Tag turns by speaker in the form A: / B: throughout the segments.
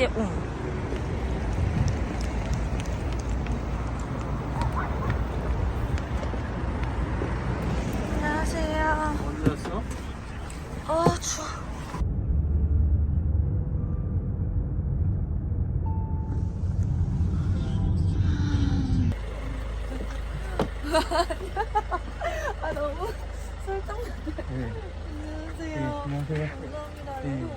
A: 이재웅. 안녕하세요.
B: 언제 왔어?
A: 아, 추워. 아, 너무 설정돼.
B: 네.
A: 안녕하세요.
B: 안녕하세요.
A: 감사합니다.
B: 네.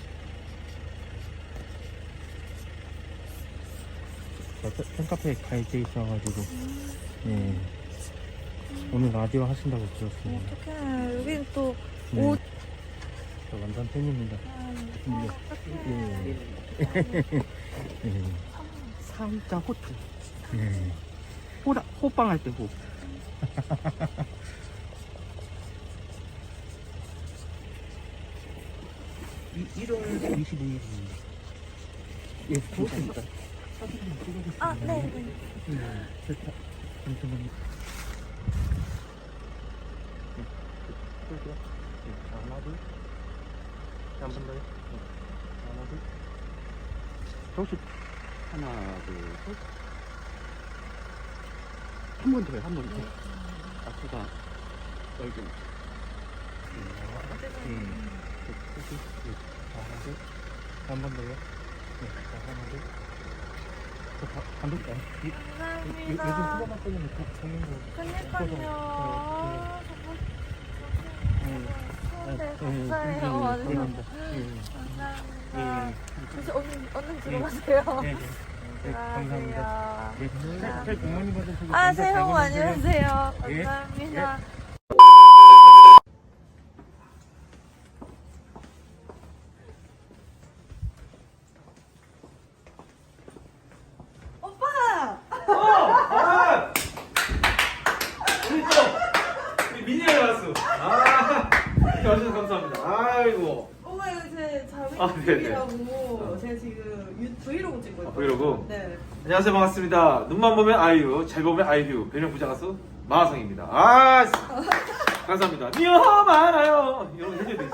B: 팬카페에 가입돼 있어가지고 네. 오늘 라디오 하신다고 들었어요.
A: 어떡해. 여긴 또
B: 네.
A: 옷.
B: 저 완전 팬입니다. 네. 사이다 호텔. 네. 호빵 할 때 호. 1월 22일입니다. 예, 좋습니다.
A: 아, 네, 네.
B: 좋다. 잠시만요. 하나, 둘. 한 번 더요. 하나, 둘. 혹시 하나, 둘, 셋. 한 번 더요, 한 번 더. 앞에가 얼굴. 한 번 더요. 네, 하나, 둘. 감독님, 요즘
A: 감사합니다.
B: 후보 맞거든요. 정면
A: 그니까요. 네, 감사해요. 완전. 감사합니다. 그래서 얼른 들어가세요.
B: 네, 감사합니다. 네, 잘 부모님한테 보고
A: 아,
B: 감사
A: 새해 복 많이
B: 잘
A: 받으세요.
B: 예.
A: 감사합니다. 오빠!
C: 우리 또 우리 민이가 왔어. 이렇게 와주셔서 감사합니다. 아이고.
A: 오빠 이거 제
C: 아, 네네.
A: 자매님이라고 제가 지금 브이로그 찍고 있거든요.
C: 브이로그?
A: 네.
C: 안녕하세요, 반갑습니다. 눈만 보면 아이유, 잘 보면 아이유, 별명 부자 가수 마하성입니다. 감사합니다. 미워 많아요. 이런 거 해줘야 되지.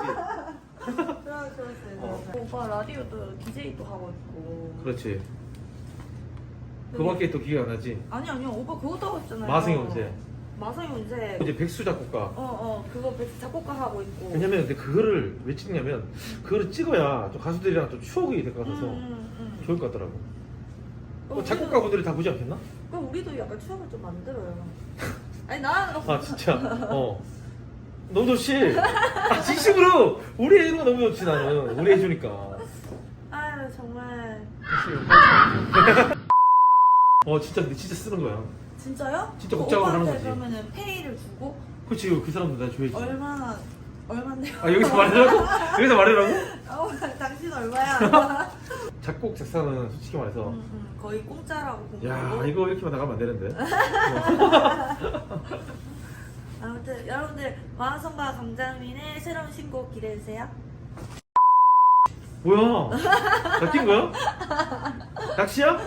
A: 그렇어요. 오빠 라디오도 DJ도 하고 있고.
C: 그렇지. 그밖에 또 기회가 안 나지.
A: 아니요. 오빠 그것도 하고 있잖아요.
C: 마하성이 언제?
A: 마성이 언제?
C: 이제 백수 작곡가.
A: 그거 작곡가 하고 있고.
C: 왜냐면 근데 그거를 왜 찍냐면 그거를 찍어야 좀 가수들이랑 좀 추억이 될 것 같아서 좋을 것 같더라고. 작곡가 분들이 다 보지 않겠나?
A: 그럼 우리도 약간 추억을 좀 만들어요. 아니 나.
C: 아 진짜. 너무 좋지. 진심으로 우리 해주는 거 너무 좋지 나는. 우리 해주니까.
A: 아유 정말.
C: 진짜 근데 진짜 쓰는 거야.
A: 진짜요?
C: 진짜 복잡하게 하는 거지.
A: 그러면은 페이를 주고
C: 그렇지 그 사람도 나 줘야지.
A: 얼마인데요?
C: 여기서 말하라고? 여기서 말하라고?
A: 당신 얼마야?
C: 작곡 작사는 솔직히 말해서
A: 거의 공짜라고 본
C: 야
A: 거고.
C: 이거 이렇게만 나가면 안 되는데.
A: 아무튼 여러분들 마하성과 강자민의 새로운 신곡 기대해주세요.
C: 뭐야? 낚인 거야? 낚시야?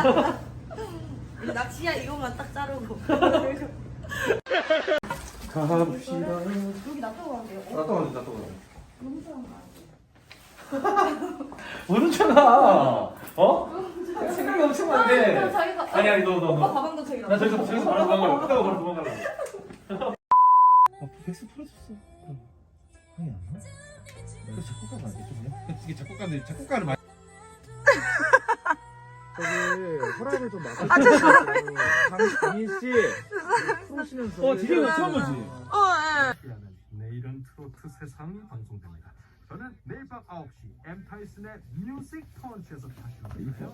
A: 낚시야 이것만 딱 자르고.
C: 가봅시다.
A: 여기 놔두고 갈게요.
C: 놔둬.
A: 너무 좋아하는
C: 어느 차나? 생각이 엄청 많은데.
A: 자기가
C: 아니 너.
A: 오빠 가방도 저기
C: 나 저기서 바로 도망가려고. 끝나고 바로 도망가려고. 백스 풀어줬어. 형이 안 나? 그 작곡가가 안 되죠? 이게 작곡가를 많이. 저기 허락을 좀 막아주세요. 강민 씨 풀으시면서. 디제이가 처음 보지.
D: 내일은 트로트 세상이 방송됩니다. 저는 내일 밤 9시 엠타이슨의 뮤직 펀치에서 다시 올게요.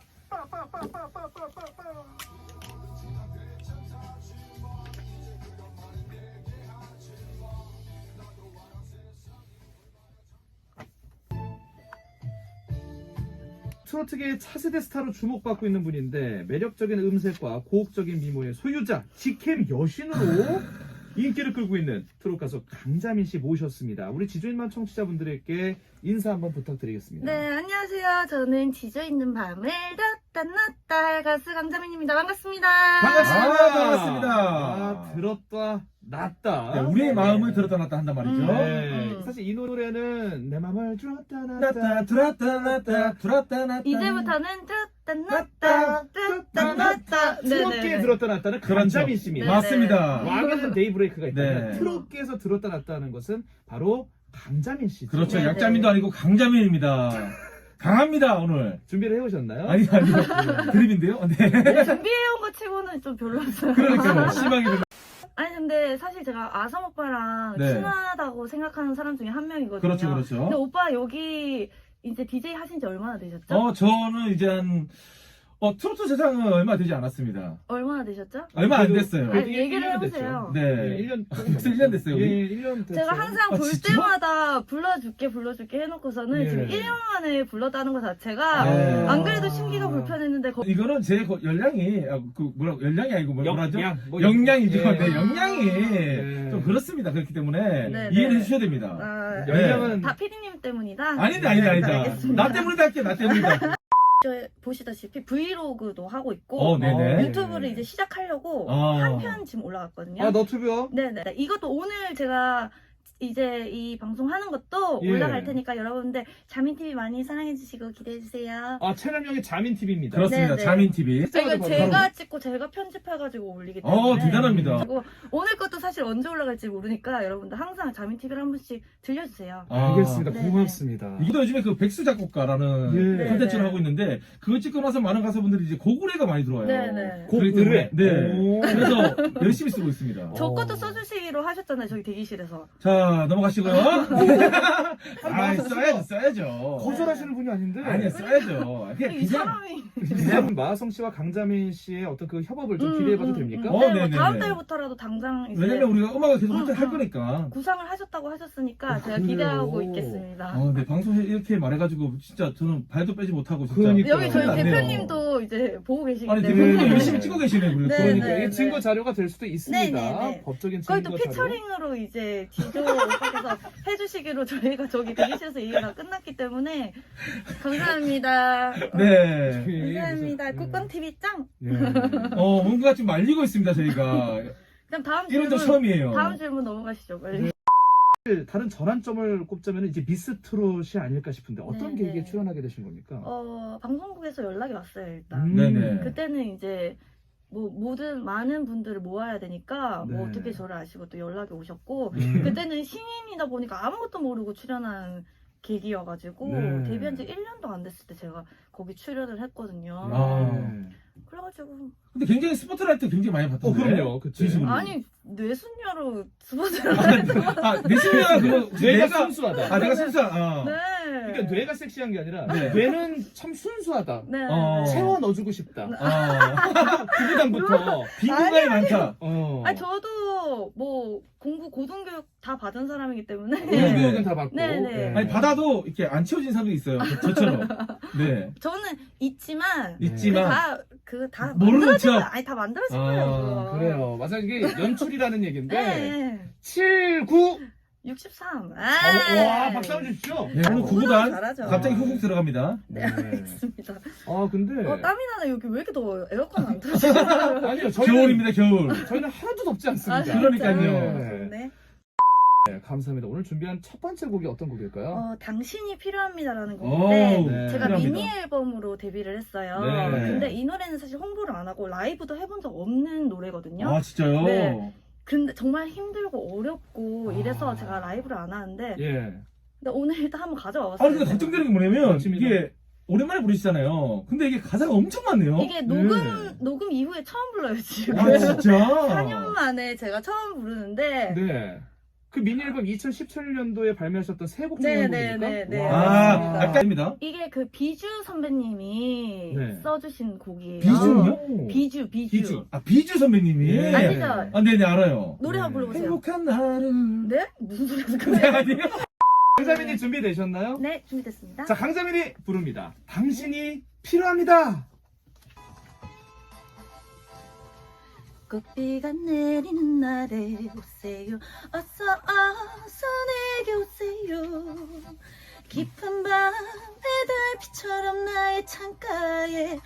E: 트로트계의 차세대 스타로 주목받고 있는 분인데 매력적인 음색과 고혹적인 미모의 소유자 직캠 여신으로 인기를 끌고 있는 트롯 가수 강자민 씨 모셨습니다. 우리 지조인만 청취자분들에게 인사 한번 부탁드리겠습니다.
A: 네, 안녕하세요. 저는 지져 있는 밤을 넣다 할 가수 강자민입니다. 반갑습니다.
E: 반갑습니다.
B: 반갑습니다.
E: 들었다 낫다.
C: 네, 우리의 마음을 들었다 놨다 한단 말이죠.
E: 네. 사실 이 노래는 내 맘을 들었다 놨다.
C: 놨다 들었다 놨다 들었다 놨다.
A: 이제부터는 뚜따 뚜따
E: 트롯계에 들었다 놨다는 강자민 씨입니다.
A: 네.
C: 맞습니다.
E: 왕에는 데이브레이크가 있다면
C: 네.
E: 트롯계에서 들었다 놨다는 것은 바로 강자민 씨죠.
C: 그렇죠.
A: 네,
C: 약자민도 아니고 강자민입니다. 강합니다 오늘.
E: 준비를 해오셨나요?
C: 아니요. 드립인데요. 네.
A: 준비해온 거 치고는 좀 별로였어요.
C: 그러니까요. 심하게 좀.
A: 아니 근데 사실 제가 아성 오빠랑
C: 네.
A: 친하다고 생각하는 사람 중에 한 명이거든요.
C: 그렇죠,
A: 근데
C: 그렇죠.
A: 오빠 여기 이제 DJ 하신 지 얼마나 되셨죠?
C: 저는 이제 한 트로트 세상은 얼마 되지 않았습니다.
A: 얼마나 되셨죠?
C: 얼마 안 됐어요.
A: 아니, 얘기를 해보세요.
C: 네.
E: 1년
C: 벌써 1년 됐어요.
E: 예,
C: 우리?
E: 1년 됐어요.
A: 제가 항상
C: 아,
A: 볼
C: 진짜?
A: 때마다 불러줄게 해놓고서는
E: 예.
A: 지금 1년 만에 불렀다는 것 자체가
C: 네.
A: 안 그래도 심기가 불편했는데
C: 이거는 제 열량이 열량이 아니고 뭐라죠?
E: 뭐
C: 역량이죠.
E: 예.
C: 네, 역량이
E: 네.
C: 좀 그렇습니다. 그렇기 때문에
A: 네,
C: 이해를
A: 네.
C: 해주셔야 됩니다.
A: 아,
E: 열량은
A: 다 피디님 때문이다?
C: 아니다.
A: 알겠습니다.
C: 나 때문이다 할게. 나 때문이다.
A: 저 보시다시피 브이로그도 하고 있고
C: 네네.
A: 유튜브를 이제 시작하려고
C: 아.
A: 한 편 지금 올라갔거든요.
E: 아 너튜브요?
A: 네네. 이것도 오늘 제가 이제 이 방송 하는 것도
E: 예.
A: 올라갈 테니까 여러분들 자민TV 많이 사랑해주시고 기대해주세요.
E: 아 채널명이 자민TV입니다.
C: 그렇습니다.
A: 네, 네.
C: 자민TV.
A: 이거
E: 바로
A: 제가 찍고 제가 편집해가지고 올리기 때문에
C: 대단합니다.
A: 그리고 오늘 것도 사실 언제 올라갈지 모르니까 여러분들 항상 자민TV를 한 번씩 들려주세요.
E: 알겠습니다.
A: 네.
E: 고맙습니다.
C: 이것도 요즘에 그 백수 작곡가라는
E: 예.
C: 콘텐츠를
A: 네.
C: 하고 있는데 그거 찍고 나서 많은 가수분들이 이제 고구려가 많이 들어와요.
A: 네네.
C: 그렇기 때문에
E: 고구려? 오.
C: 그래서 열심히 쓰고 있습니다.
A: 저 것도 써주시기로 하셨잖아요. 저기 대기실에서.
C: 자 넘어가시고요. 써야죠.
E: 거절하시는 분이 아닌데.
C: 아니야 써야죠. 그냥
A: 이 사람이.
E: 그냥 마하성 씨와 강자민 씨의 어떤 그 협업을 좀 기대해봐도 됩니까?
C: 어,
A: 네, 뭐
C: 네네네.
A: 다음 달부터라도 당장 이제
C: 왜냐면 우리가 음악을 계속
A: 음,
C: 할 거니까.
A: 구상을 하셨다고 하셨으니까 제가
E: 그래요?
A: 기대하고 있겠습니다.
C: 네 방송에 이렇게 말해가지고 진짜 저는 발도 빼지 못하고 진짜.
E: 그러니까.
A: 여기 저희
C: 큰일 났네요.
A: 대표님도 이제 보고 계시기
C: 아니
A: 때문에
C: 대표님 열심히 찍고 계시네 우리.
A: 네,
E: 그러니까
A: 네,
E: 이게
A: 네.
E: 증거 자료가 될 수도 있습니다.
A: 네, 네, 네.
E: 법적인
A: 거기
E: 증거
A: 또
E: 자료.
A: 피처링으로 이제 지조 오빠께서 해주시기로 저희가 저기 대기실에서 얘기가 다 끝났기 때문에 감사합니다.
C: 네.
A: 감사합니다.
E: 무슨-
A: 국광TV 짱!
E: 예.
C: 뭔가 좀 말리고 있습니다 저희가.
A: 그럼 다음
C: 이런 적
A: 질문,
C: 처음이에요.
A: 다음 질문 넘어가시죠. 빨리.
E: 다른 전환점을 꼽자면 이제 미스 트롯이 아닐까 싶은데 어떤
A: 네,
E: 계기에
A: 네.
E: 출연하게 되신 겁니까?
A: 방송국에서 연락이 왔어요, 일단.
C: 네네.
A: 그때는 이제 뭐 모든 많은 분들을 모아야 되니까 뭐
E: 네.
A: 어떻게 저를 아시고 또 연락이 오셨고
C: 음.
A: 그때는 신인이다 보니까 아무것도 모르고 출연한 계기여가지고
E: 네.
A: 데뷔한 지 1년도 안 됐을 때 제가 거기 출연을 했거든요.
C: 아.
A: 그래가지고
C: 근데 굉장히 스포트라이트 굉장히 많이 받던데.
E: 그럼요. 그치.
C: 진심으로.
A: 아니 뇌순녀로 스포츠를
C: 내 신뢰가 그거
E: 뇌가 순수하다.
C: 내가 순수한.
A: 네.
E: 그러니까 뇌가 섹시한 게 아니라
C: 네.
E: 뇌는 참 순수하다.
A: 네.
E: 채워 넣어주고 싶다.
C: 그
E: 구구단부터.
C: 빈 공간이 많다.
A: 아니 저도 뭐 공부 고등교육 다 받은 사람이기 때문에
E: 고등교육은 다 받고.
A: 네, 네.
C: 아니 받아도 이렇게 안 채워진 사람도 있어요. 저처럼. 네.
A: 저는 있지만
C: 있지만
A: 다
C: 모르는
A: 만들어진
C: 척.
A: 거예요. 아니 다 만들어진
C: 아,
A: 거예요. 그거.
E: 그래요. 맞아 이게 연출이라는 얘기인데
A: 네.
E: 7, 9.
A: 63.
E: 와 박수 한번 주십시오.
C: 네, 오늘 구구단
A: 잘하죠.
C: 갑자기 훅훅 들어갑니다.
A: 네, 알겠습니다.
E: 아 근데
A: 땀이 나네. 여기 왜 이렇게 더워요? 에어컨 안 틀어지죠?
E: 아니요 저희는
C: 겨울입니다, 겨울.
E: 저희는 하나도 덥지 않습니다.
A: 진짜요?
C: 그러니까요.
A: 네.
E: 네, 감사합니다. 오늘 준비한 첫 번째 곡이 어떤 곡일까요?
A: 당신이 필요합니다라는
C: 오,
A: 곡인데
E: 네.
A: 제가
C: 필요합니다.
A: 미니 앨범으로 데뷔를 했어요.
C: 네.
A: 근데 이 노래는 사실 홍보를 안 하고 라이브도 해본 적 없는 노래거든요.
C: 아, 진짜요?
A: 네. 근데 정말 힘들고 어렵고 이래서
E: 아.
A: 제가 라이브를 안 하는데
E: 예.
A: 근데 오늘 일단 한번 가져와봤어요.
C: 근데 걱정되는 게 뭐냐면
E: 멋집니다.
C: 이게 오랜만에 부르시잖아요. 근데 이게 가사가 엄청 많네요.
A: 이게 녹음 이후에 처음 불러요 지금.
C: 아, 진짜?
A: 4년 만에 제가 처음 부르는데
E: 네. 그 미니 앨범 2017년도에 발매하셨던 세 곡 중에 한 곡입니까?
A: 네.
C: 아, 아까입니다.
A: 이게 그 비주 선배님이
E: 네.
A: 써주신 곡이에요.
C: 비주요?
A: 비주.
C: 비주 선배님이.
E: 예.
A: 아시죠?
C: 네네, 알아요.
A: 노래 한번 불러보세요.
C: 행복한 하루.
A: 네? 무슨 소리 하는
C: 네,
A: 거예요?
C: 아니에요?
E: 강자민이 준비되셨나요?
A: 네, 준비됐습니다.
E: 자, 강자민이 부릅니다. 당신이 필요합니다.
A: 꽃비가 내리는 날에 오세요. 어서 내게 오세요. 깊은 밤 배달비처럼 나의 창가에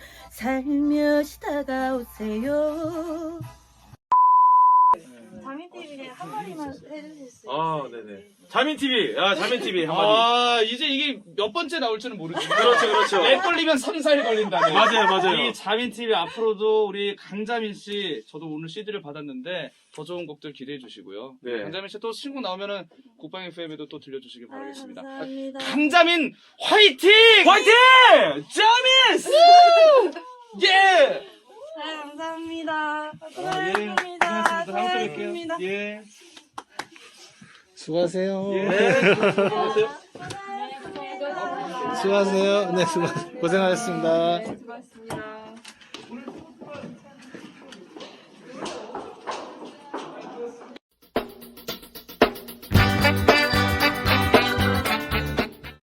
A: 살며시 다가오세요. 자민TV에 한마디만 해주실 수 있어요?
C: 아, 네네. 자민TV, 자민TV 한마디.
B: 이제 이게 몇 번째 나올지는 모르지만.
C: 그렇죠.
B: 렉 걸리면 3, 4일 걸린다네.
C: 맞아요.
B: 이 자민TV 앞으로도 우리 강자민 씨, 저도 오늘 CD를 받았는데 더 좋은 곡들 기대해 주시고요.
C: 네.
B: 강자민 씨 또 신곡 나오면은 국방 FM에도 또 들려주시길 바라겠습니다.
A: 감사합니다.
B: 강자민 화이팅!
C: 화이팅! 자민! 예!
A: 감사합니다.
B: 고생하셨습니다. 다음 주에 뵐게요. 예.
F: 수고하세요.
C: 네.
F: 수고하세요. 네, 고생하셨습니다.
A: 수고하셨습니다.